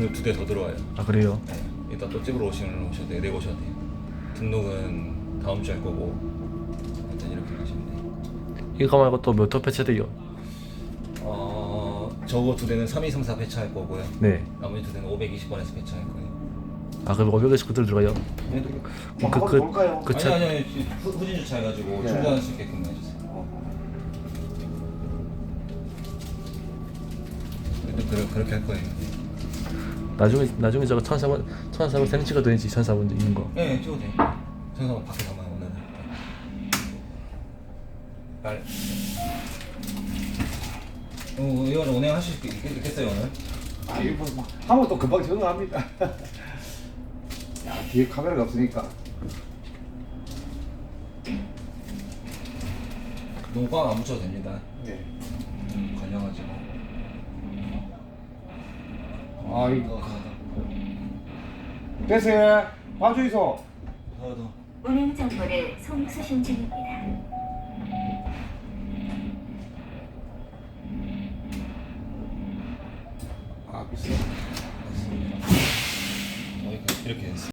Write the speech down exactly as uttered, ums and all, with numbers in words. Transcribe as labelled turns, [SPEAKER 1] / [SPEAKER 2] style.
[SPEAKER 1] 두 두 대 더 들어와요.
[SPEAKER 2] 아 그래요?
[SPEAKER 1] 네. 이따 또 찍으러 오시면 오셔도 돼요. 내보셔도 돼요. 등록은 다음 주에 할 거고 일단 이렇게 하시면 돼요.
[SPEAKER 2] 이거 말고 또 몇 호 배치돼요?
[SPEAKER 1] 어 저거 두 대는 삼이삼사 배차할 거고요.
[SPEAKER 2] 네.
[SPEAKER 1] 나머지 두 대는 오백이십 번에서 배차할 거예요.
[SPEAKER 2] 아 그럼 오백이십구 들 들어가요?
[SPEAKER 1] 네.
[SPEAKER 3] 뭐
[SPEAKER 2] 그-
[SPEAKER 3] 한번
[SPEAKER 2] 그-
[SPEAKER 3] 볼까요?
[SPEAKER 2] 그
[SPEAKER 1] 아니
[SPEAKER 2] 차-
[SPEAKER 1] 아니 아니 후, 후진 주차해가지고
[SPEAKER 3] 네.
[SPEAKER 1] 충전할 수 있게끔 해주세요. 일단 그래, 그렇게 할 거예요.
[SPEAKER 2] 나중에 나중에 저거 천사번 천사번 사진 찍어도 되지 천사번 있는 거.
[SPEAKER 1] 네, 찍어도 돼요. 천사만 밖에서만 오늘. 빨리. 어, 이거 운행하실 수 있- 있겠어요 오늘?
[SPEAKER 3] 아 이거 뭐 하면 또 금방 적응합니다. 야 뒤에 카메라가 없으니까.
[SPEAKER 1] 너무 꽉 안 붙여도 됩니다.
[SPEAKER 3] 네.
[SPEAKER 1] 음, 걸려가지고.
[SPEAKER 3] 아 이거 됐어요. 봐주이소.
[SPEAKER 1] 더 더.
[SPEAKER 4] 운행 정보를 송수신 중입니다.
[SPEAKER 3] 아 비싸.
[SPEAKER 1] 어, 이렇게 이렇게 했어.